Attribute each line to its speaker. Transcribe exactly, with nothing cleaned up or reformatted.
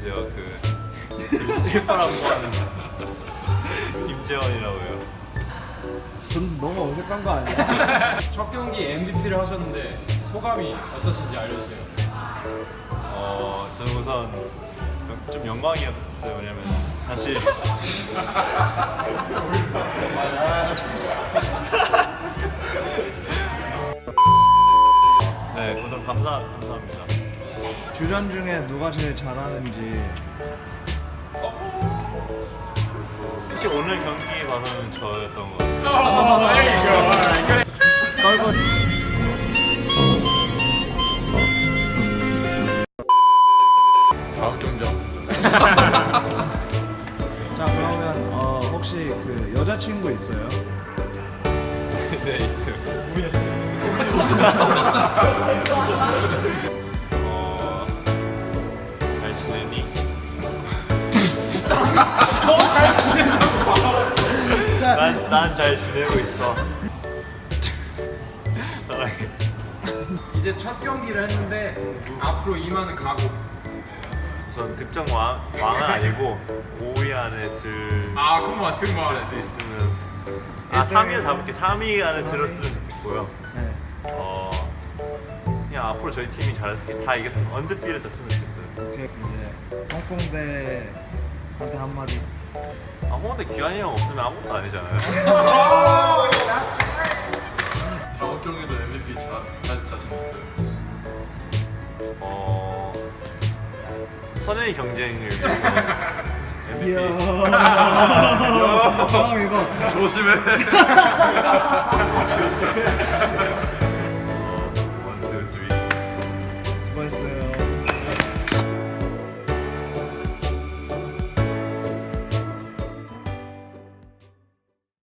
Speaker 1: 계세요. 그 일파라고 하는 김재원이라고요.
Speaker 2: 전 너무 어색한 거 아니야?
Speaker 3: 첫 경기 엠브이피를 하셨는데 소감이 어떠신지 알려주세요.
Speaker 1: 어, 저는 우선 좀- 좀 영광이었어요. 왜냐면 사실 네, 우선 감사 감사합니다.
Speaker 2: 주전 중에 누가 제일 잘하는지.
Speaker 1: 혹시 오늘 경기 봐서는 저였던 것 같아요.
Speaker 2: 떨고.
Speaker 4: 다음 경장.
Speaker 2: 자 그러면 어, 혹시 그 여자친구 있어요?
Speaker 1: 네, 있어요. 어, 잘 지내니?
Speaker 3: 어잘 지낸다고.
Speaker 2: 자,
Speaker 1: 난 난 잘 지내고 있어. 사랑해.
Speaker 3: 이제 첫 경기를 했는데 앞으로 임하는 각오.
Speaker 1: 우선 득점 왕 왕은 아니고 오 위 안에 들.
Speaker 3: 아 그만 등만.
Speaker 1: 들을 수 있으면 아 삼 위에 잡을게. 삼 위 안에 들었으면 좋겠고요.
Speaker 2: 네.
Speaker 1: 어 그냥 앞으로 저희 팀이 잘해서 다 이겼으면 언더필드 됐으면 좋겠어요.
Speaker 2: 오케이 이제 홍콩대한테 한마디.
Speaker 1: 아 홍대 기환이 형 없으면 아무것도 아니잖아요.
Speaker 4: 다음 경기도 엠브이피 자, 자, 자신 있어요.
Speaker 1: 어 선행의 경쟁을 위해서 엠브이피.
Speaker 2: 형 이거
Speaker 4: 조심해.
Speaker 1: 어, 원, 투, 쓰리.
Speaker 2: 수고했어요.